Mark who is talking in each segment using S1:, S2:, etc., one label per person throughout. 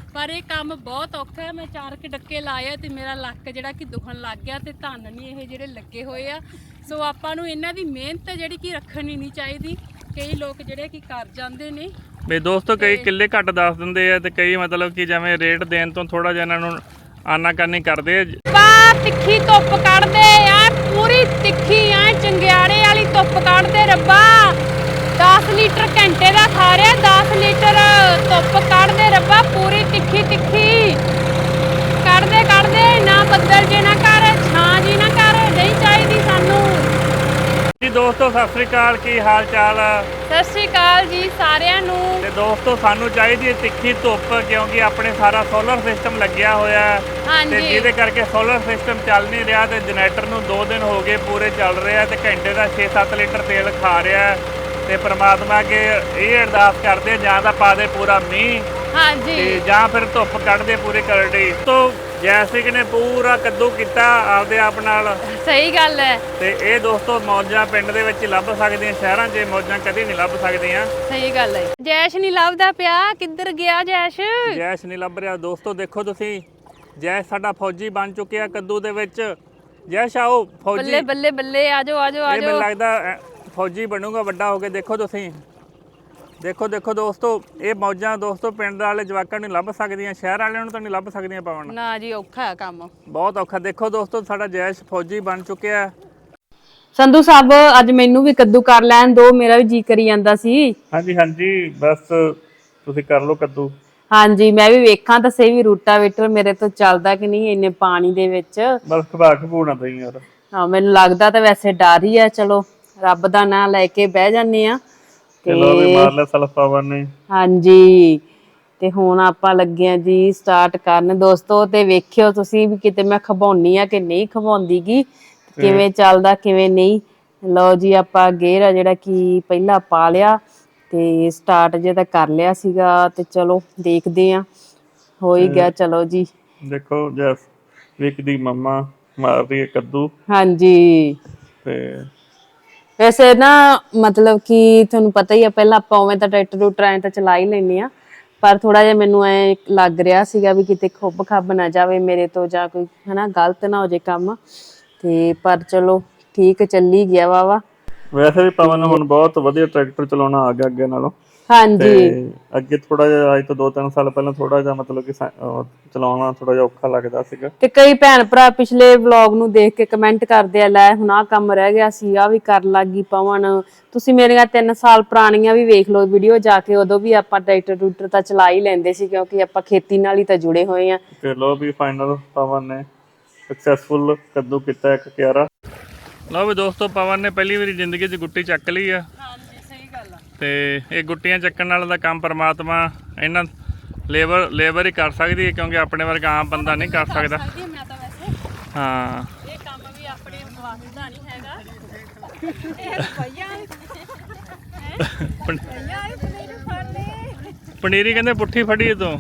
S1: पर यह काम बहुत औखा है। मैं 4 डक्के लाए ते मेरा लक जिहड़ा कि दुखन लग गया ते धन नहीं ये जिहड़े लगे हुए आ। सो आपां नूं इन्हां दी मेहनत जिहड़ी कि रखनी नहीं चाहिदी। कई लोग जिहड़े कि कर जांदे ने
S2: भी दोस्तों कई किले घट दस दिंदे आ ते कई मतलब कि जिवें रेट देण तो थोड़ा जिहा इन्हां नूं आनाकानी करदे आ।
S1: तिखी धुप कढ़दे आ, पूरी तिखी आ चंगियाड़े वाली धुप कढ़दे रब्बा। 10 लीटर घंटे का खा रहा, 10 लीटर धुप कढ़दे रब्बा, पूरी तिखी तिखी कढ़दे कढ़दे। ना बदल जे ना कर, छां जी ना कर, नहीं चाहिए सानू।
S2: जी दोस्तों सत श्री अकाल, की हाल चाल?
S1: सत श्री अकाल जी सारिਆਂ ਨੂੰ।
S2: ਤੇ ਦੋਸਤੋ ਸਾਨੂੰ ਚਾਹੀਦੀ ਹੈ ਤਿੱਖੀ ਧੁੱਪ, ਕਿਉਂਕਿ ਆਪਣੇ ਸਾਰਾ ਸੋਲਰ ਸਿਸਟਮ ਲੱਗਿਆ ਹੋਇਆ ਹੈ ਤੇ ਜਿਹਦੇ ਕਰਕੇ ਸੋਲਰ ਸਿਸਟਮ ਚੱਲ ਨਹੀਂ ਰਿਹਾ ਤੇ ਜਨਰੇਟਰ ਨੂੰ 2 ਦਿਨ ਹੋ ਗਏ ਪੂਰੇ ਚੱਲ ਰਿਹਾ ਤੇ ਘੰਟੇ ਦਾ 6-7 ਲੀਟਰ ਤੇਲ ਖਾ ਰਿਹਾ ਤੇ ਪ੍ਰਮਾਤਮਾ ਅੱਗੇ ਇਹ ਅਰਦਾਸ ਕਰਦੇ ਜਾਂ ਤਾਂ ਪਾ ਦੇ ਪੂਰਾ ਮੀਂਹ,
S1: ਹਾਂਜੀ,
S2: ਤੇ ਜਾਂ ਫਿਰ ਧੁੱਪ ਕੱਢਦੇ ਪੂਰੀ ਕਰੜੀ। ਤੋਂ ਜੈਸਿਕ ਨੇ ਪੂਰਾ ਕੱਦੂ ਕੀਤਾ ਆਪਦੇ ਆਪ ਨਾਲ।
S1: ਸਹੀ ਗੱਲ ਹੈ।
S2: ਤੇ ਇਹ ਦੋਸਤੋ ਮੌਜਾਂ ਪਿੰਡ ਦੇ ਵਿੱਚ ਲੱਭ ਸਕਦੀਆਂ, ਸ਼ਹਿਰਾਂ 'ਚ ਮੌਜਾਂ ਕਦੇ ਨਹੀਂ ਲੱਭ ਸਕਦੀਆਂ।
S1: ਸਹੀ ਗੱਲ ਹੈ। ਜੈਸ਼ ਨਹੀਂ ਲੱਭਦਾ ਪਿਆ, ਕਿੱਧਰ ਗਿਆ ਜੈਸ਼?
S2: ਜੈਸ਼ ਨਹੀਂ ਲੱਭ ਰਿਹਾ ਦੋਸਤੋ। ਦੇਖੋ ਤੁਸੀਂ, ਜੈਸ਼ ਸਾਡਾ ਫੌਜੀ ਬਣ ਚੁੱਕਿਆ ਕੱਦੂ ਦੇ ਵਿੱਚ। ਜੈਸ਼ ਆਓ ਫੌਜੀ।
S1: ਬੱਲੇ ਬੱਲੇ ਬੱਲੇ, ਆਜੋ ਆਜੋ ਆਜੋ।
S2: ਮੈਨੂੰ ਲੱਗਦਾ ਫੌਜੀ ਬਣੂਗਾ ਵੱਡਾ ਹੋ ਕੇ। ਦੇਖੋ ਤੁਸੀਂ, ਦੇਖੋ ਦੇਖੋ ਦੋਸਤੋ, ਇਹ ਮੌਜਾਂ ਦੋਸਤੋ ਪਿੰਡ ਵਾਲੇ ਜਵਾਕਾਂ ਨੂੰ ਲੱਭ ਸਕਦੀਆਂ, ਸ਼ਹਿਰ ਵਾਲਿਆਂ ਨੂੰ ਤਾਂ ਨਹੀਂ ਲੱਭ ਸਕਦੀਆਂ। ਪਾਵਨ
S1: ਨਾ ਜੀ, ਔਖਾ ਹੈ ਕੰਮ,
S2: ਬਹੁਤ ਔਖਾ। ਦੇਖੋ ਦੋਸਤੋ ਸਾਡਾ ਜੈਸ਼ ਫੌਜੀ ਬਣ ਚੁੱਕਿਆ।
S1: ਸੰਧੂ ਸਾਹਿਬ ਅੱਜ ਮੈਨੂੰ ਵੀ ਕੱਦੂ ਕਰ ਲੈਣ ਦੋ, ਮੇਰਾ ਵੀ ਜੀ ਕਰੀ ਜਾਂਦਾ ਸੀ।
S2: ਹਾਂਜੀ ਹਾਂਜੀ, ਬਸ ਤੁਸੀਂ ਕਰ ਲਓ ਕੱਦੂ।
S1: ਹਾਂਜੀ, ਮੈਂ ਵੀ ਵੇਖਾਂ ਤਾਂ ਸਹੀ ਵੀ ਰੂਟਾਵੇਟਰ ਮੇਰੇ ਤੋਂ ਚੱਲਦਾ ਕਿ ਨਹੀਂ ਇੰਨੇ ਪਾਣੀ ਦੇ ਵਿੱਚ।
S2: ਬਸ ਖਵਾ ਖਵਾਉਣਾ ਪਈ ਯਾਰ।
S1: ਹਾਂ, ਮੈਨੂੰ ਲੱਗਦਾ ਤਾਂ ਵੈਸੇ ਡਰ ਹੀ ਆ। ਚਲੋ ਰੱਬ ਦਾ ਨਾਂ ਲੈ ਕੇ ਬਹਿ ਜਾਂਦੇ ਆ।
S2: ਚਲੋ ਵੀ ਮਾਰ ਲੈ ਸਲਫ ਪਾਵਨ ਨੇ।
S1: ਹਾਂਜੀ, ਤੇ ਹੁਣ ਆਪਾਂ ਲੱਗੇ ਆ ਜੀ ਸਟਾਰਟ ਕਰਨ ਦੋਸਤੋ। ਤੇ ਵੇਖਿਓ ਤੁਸੀਂ ਵੀ ਕਿਤੇ ਮੈਂ ਖਵਾਉਣੀ ਆ ਕਿ ਨਹੀਂ ਖਵਾਉਂਦੀ ਗੀ, ਕਿਵੇਂ ਚੱਲਦਾ ਕਿਵੇਂ ਨਹੀਂ। ਲਓ ਜੀ, ਆਪਾਂ ਗੇਅਰ ਆ ਜਿਹੜਾ ਕਿ ਪਹਿਲਾਂ ਪਾ ਲਿਆ ਤੇ ਸਟਾਰਟ ਜੇ ਤਾਂ ਕਰ ਲਿਆ ਸੀਗਾ ਤੇ ਚਲੋ ਦੇਖਦੇ ਆ, ਹੋ ਹੀ ਗਿਆ। ਚਲੋ ਜੀ,
S2: ਦੇਖੋ ਜੈਸ ਵਿਕ ਦੀ ਮੰਮਾ ਮਾਰ ਰਹੀ ਹੈ ਕੱਦੂ।
S1: ਹਾਂਜੀ,
S2: ਤੇ
S1: ਵੈਸੇ ਨਾ ਮਤਲਬ ਕਿ ਤੁਹਾਨੂੰ ਪਤਾ ਹੀ ਆ, ਪਹਿਲਾਂ ਆਪਾਂ ਉਵੇਂ ਤਾਂ ਟਰੈਕਟਰ ਟਰੂਕਟਰ ਐਂ ਤਾਂ ਚਲਾ ਹੀ ਲੈਂਦੇ ਆ, ਪਰ ਥੋੜਾ ਜਿਹਾ ਮੈਨੂੰ ਐ ਲੱਗ ਰਿਹਾ ਸੀਗਾ ਵੀ ਕਿਤੇ ਖੁੱਬ ਖੱਬ ਨਾ ਜਾਵੇ ਮੇਰੇ ਤੋਂ, ਜਾਂ ਕੋਈ ਹਨਾ ਗਲਤ ਨਾ ਹੋ ਜੇ ਕੰਮ। ਤੇ ਪਰ ਚਲੋ ਠੀਕ ਚੱਲੀ ਗਿਆ ਵਾ।
S2: ਵੈਸੇ ਵੀ ਪਵਨ ਹੁਣ ਬਹੁਤ ਵਧੀਆ ਟਰੈਕਟਰ ਚਲਾਉਣਾ ਆ ਗਿਆ ਅੱਗੇ ਨਾਲੋਂ।
S1: ਹਾਂਜੀ,
S2: ਅੱਗੇ ਥੋੜਾ ਜਿਹਾ ਅੱਜ ਤੋਂ 2-3 ਸਾਲ ਪਹਿਲਾਂ ਥੋੜਾ ਜਿਹਾ ਮਤਲਬ ਕਿ ਚਲਾਉਣਾ ਥੋੜਾ ਜਿਹਾ ਔਖਾ ਲੱਗਦਾ ਸੀਗਾ।
S1: ਤੇ ਕਈ ਭੈਣ ਭਰਾ ਪਿਛਲੇ ਵਲੌਗ ਨੂੰ ਦੇਖ ਕੇ ਕਮੈਂਟ ਕਰਦੇ ਆ, ਲੈ ਹੁਣ ਆਹ ਕੰਮ ਰਹਿ ਗਿਆ ਸੀ, ਆਹ ਵੀ ਕਰਨ ਲੱਗ ਗਈ ਪਵਨ। ਤੁਸੀਂ ਮੇਰੀਆਂ 3 ਸਾਲ ਪੁਰਾਣੀਆਂ ਵੀ ਵੇਖ ਲਓ ਵੀਡੀਓ ਜਾ ਕੇ, ਉਦੋਂ ਵੀ ਆਪਾਂ ਟਰੈਕਟਰ ਟਰੂਕਟਰ ਤਾਂ ਚਲਾ ਹੀ ਲੈਂਦੇ ਸੀ, ਕਿਉਂਕਿ ਆਪਾਂ ਖੇਤੀ ਨਾਲ ਹੀ ਤਾਂ ਜੁੜੇ ਹੋਏ ਆ।
S2: ਤੇ ਲੋ ਵੀ ਫਾਈਨਲ ਪਵਨ ਨੇ ਸਕਸੈਸਫੁਲ ਕੱਦੂ ਕੀਤਾ ਇੱਕ ਕਿਆਰਾ। ਲਓ ਵੀ ਦੋਸਤੋ, ਪਵਨ ਨੇ ਪਹਿਲੀ ਵਾਰੀ ਜ਼ਿੰਦਗੀ 'ਚ ਗੁੱਟੀ ਚੱਕ ਲਈ ਆ।
S1: ਹਾਂਜੀ, ਸਹੀ ਗੱਲ ਆ। ਤੇ
S2: ਇਹ ਗੁੱਟੀਆਂ ਚੱਕਣ ਨਾਲ ਦਾ ਕੰਮ ਪਰਮਾਤਮਾ ਇਹਨਾਂ ਲੇਬਰ ਹੀ ਕਰ ਸਕਦੀ ਹੈ, ਕਿਉਂਕਿ ਆਪਣੇ ਵਰਗਾ ਆਮ ਬੰਦਾ ਨਹੀਂ ਕਰ ਸਕਦਾ।
S1: ਮੈਂ ਤਾਂ ਵੈਸੇ
S2: ਹਾਂ,
S1: ਇਹ ਕੰਮ ਵੀ ਆਪਣੇ ਵਾਸਤੇ ਦਾ ਨਹੀਂ ਹੈਗਾ। ਇਹ
S2: ਪਨੀਰੀ ਕਹਿੰਦੇ ਪੁੱਠੀ ਫੜੀ ਤੋਂ।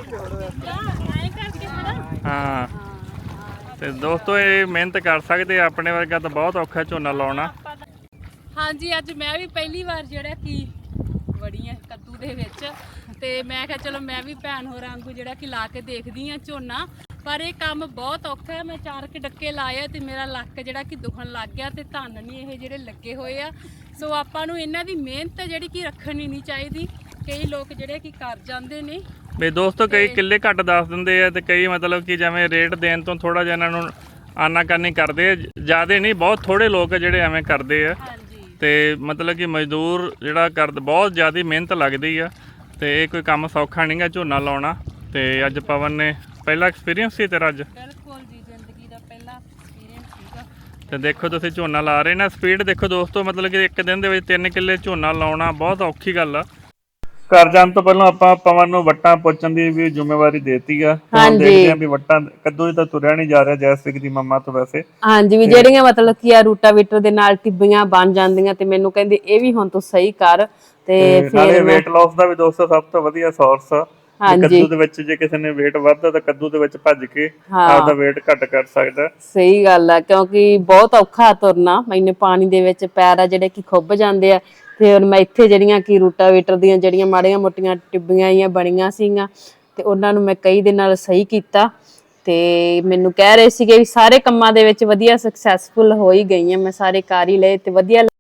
S2: ਹਾਂ, ਤੇ ਦੋਸਤੋ ਇਹ ਮਿਹਨਤ ਕਰ ਸਕਦੇ ਆ, ਆਪਣੇ ਵਰਗਾ ਤਾਂ ਬਹੁਤ ਔਖਾ ਝੋਨਾ ਲਾਉਣਾ।
S1: ਹਾਂਜੀ, ਅੱਜ ਮੈਂ ਵੀ ਪਹਿਲੀ ਵਾਰ ਜਿਹੜਾ ਕਿ ਵੜੀ ਆ ਕੱਦੂ ਦੇ ਵਿੱਚ, ਤੇ ਮੈਂ ਕਿਹਾ ਚਲੋ ਮੈਂ ਵੀ ਭੈਣ ਹੋਰਾਂ ਵਾਂਗੂ ਜਿਹੜਾ ਕਿ ਲਾ ਕੇ ਦੇਖਦੀ ਆ ਝੋਨਾ। ਪਰ ਇਹ ਕੰਮ ਬਹੁਤ ਔਖਾ ਹੈ। ਮੈਂ 4 ਡੱਕੇ ਲਾਏ ਤੇ ਮੇਰਾ ਲੱਕ ਜਿਹੜਾ ਕਿ ਦੁਖਣ ਲੱਗ ਗਿਆ ਤੇ ਧਨ ਨਹੀਂ ਇਹ ਜਿਹੜੇ ਲੱਗੇ ਹੋਏ ਆ। ਸੋ ਆਪਾਂ ਨੂੰ ਇਹਨਾਂ ਦੀ ਮਿਹਨਤ ਜਿਹੜੀ ਕਿ ਰੱਖਣੀ ਨਹੀਂ ਚਾਹੀਦੀ। ਕਈ ਲੋਕ ਜਿਹੜੇ ਕਿ ਕਰ ਜਾਂਦੇ ਨੇ।
S2: ਵੀ ਦੋਸਤੋ ਕਈ ਕਿੱਲੇ ਘੱਟ ਦੱਸ ਦਿੰਦੇ ਆ ਤੇ ਕਈ ਮਤਲਬ ਕਿ ਜਿਵੇਂ ਰੇਟ ਦੇਣ ਤੋਂ ਥੋੜਾ ਜਿਹਾ ਇਹਨਾਂ ਨੂੰ ਆਨਾਕਾਨੀ ਕਰਦੇ ਆ। ਜ਼ਿਆਦਾ ਨਹੀਂ, ਬਹੁਤ ਥੋੜੇ ਲੋਕ ਜਿਹੜੇ ਐਵੇਂ ਕਰਦੇ ਆ। ਤੇ ਮਤਲਬ ਕਿ ਮਜ਼ਦੂਰ ਜਿਹੜਾ ਕਰਦੇ, ਬਹੁਤ ਜ਼ਿਆਦਾ ਮਿਹਨਤ ਲੱਗਦੀ ਆ ਤੇ ਇਹ ਕੋਈ ਕੰਮ ਸੌਖਾ ਨਹੀਂਗਾ ਝੋਨਾ ਲਾਉਣਾ। ਤੇ ਅੱਜ ਪਵਨ ਨੇ ਪਹਿਲਾ ਐਕਸਪੀਰੀਅੰਸ ਸੀ ਤੇਰਾ ਅੱਜ?
S1: ਬਿਲਕੁਲ ਜੀ, ਜ਼ਿੰਦਗੀ ਦਾ ਪਹਿਲਾ ਐਕਸਪੀਰੀਅੰਸ ਸੀਗਾ।
S2: ਤੇ ਦੇਖੋ ਤੁਸੀਂ ਝੋਨਾ ਲਾ ਰਹੇ ਨਾ, ਸਪੀਡ ਦੇਖੋ ਦੋਸਤੋ, ਮਤਲਬ ਕਿ ਇੱਕ ਦਿਨ ਦੇ ਵਿੱਚ 3 ਕਿੱਲੇ ਝੋਨਾ ਲਾਉਣਾ ਬਹੁਤ ਔਖੀ ਗੱਲ ਆ। ਘਰ ਜਾਣ ਤੋਂ ਪਹਿਲਾਂ ਆਪਾਂ ਪਵਨ ਨੂੰ ਵੱਟਾਂ ਪੁੱਛਣ ਦੀ ਵੀ ਜ਼ਿੰਮੇਵਾਰੀ ਦੇਤੀ ਆ। ਦੇਖਦੇ ਆ ਵੀ ਵੱਟਾਂ ਕੱਦੂ ਤਾਂ ਤੁਰਿਆ ਨਹੀਂ ਜਾ ਰਿਹਾ ਜੈਸਵਿਕ ਦੀ ਮੰਮਾ ਤੋਂ ਵੈਸੇ।
S1: ਹਾਂਜੀ, ਵੀ ਜਿਹੜੀਆਂ ਮਤਲਬ ਕੀ ਆ ਰੂਟਾਵੇਟਰ ਦੇ ਨਾਲ ਟਿੱਬੀਆਂ ਬਣ ਜਾਂਦੀਆਂ, ਤੇ ਮੈਨੂੰ ਕਹਿੰਦੇ ਇਹ ਵੀ ਹੁਣ ਤੂੰ ਸਹੀ ਕਰ। ਤੇ
S2: ਫਿਰ weight loss ਦਾ ਵੀ ਦੋਸਤੋ ਸਭ ਤੋਂ ਵਧੀਆ ਸੋਰਸ ਆ ਕੱਦੂ ਦੇ ਵਿੱਚ। ਜੇ ਕਿਸੇ ਨੇ weight ਵੱਧਦਾ ਤਾਂ ਕੱਦੂ ਦੇ ਵਿੱਚ ਭੱਜ ਕੇ ਆਪਦਾ weight ਘੱਟ ਕਰ ਸਕਦਾ।
S1: ਸਹੀ ਗੱਲ ਆ, ਕਿਉਂਕਿ ਬਹੁਤ ਔਖਾ ਤੁਰਨਾ। ਮੈਨੂੰ ਪਾਣੀ ਦੇ ਵਿੱਚ ਪੈਰ ਆ ਜਿਹੜੇ ਕਿ ਖੁੱਭ ਜਾਂਦੇ ਆ। ਫਿਰ ਮੈਂ ਇੱਥੇ ਜਿਹੜੀਆਂ ਕਿ ਰੂਟਾਵੇਟਰ ਦੀਆਂ ਜਿਹੜੀਆਂ ਮਾੜੀਆਂ ਮੋਟੀਆਂ ਟਿੱਬੀਆਂ ਬਣੀਆਂ ਸੀਗੀਆਂ,
S3: ਤੇ ਉਹਨਾਂ ਨੂੰ ਮੈਂ ਕਈ ਦੇ ਨਾਲ ਸਹੀ ਕੀਤਾ ਤੇ ਮੈਨੂੰ ਕਹਿ ਰਹੇ ਸੀਗੇ ਵੀ ਸਾਰੇ ਕੰਮਾਂ ਦੇ ਵਿੱਚ ਵਧੀਆ ਸਕਸੈਸਫੁਲ ਹੋ ਹੀ ਗਈ ਹਾਂ, ਮੈਂ ਸਾਰੇ ਕਰ ਹੀ ਲਏ ਤੇ ਵਧੀਆ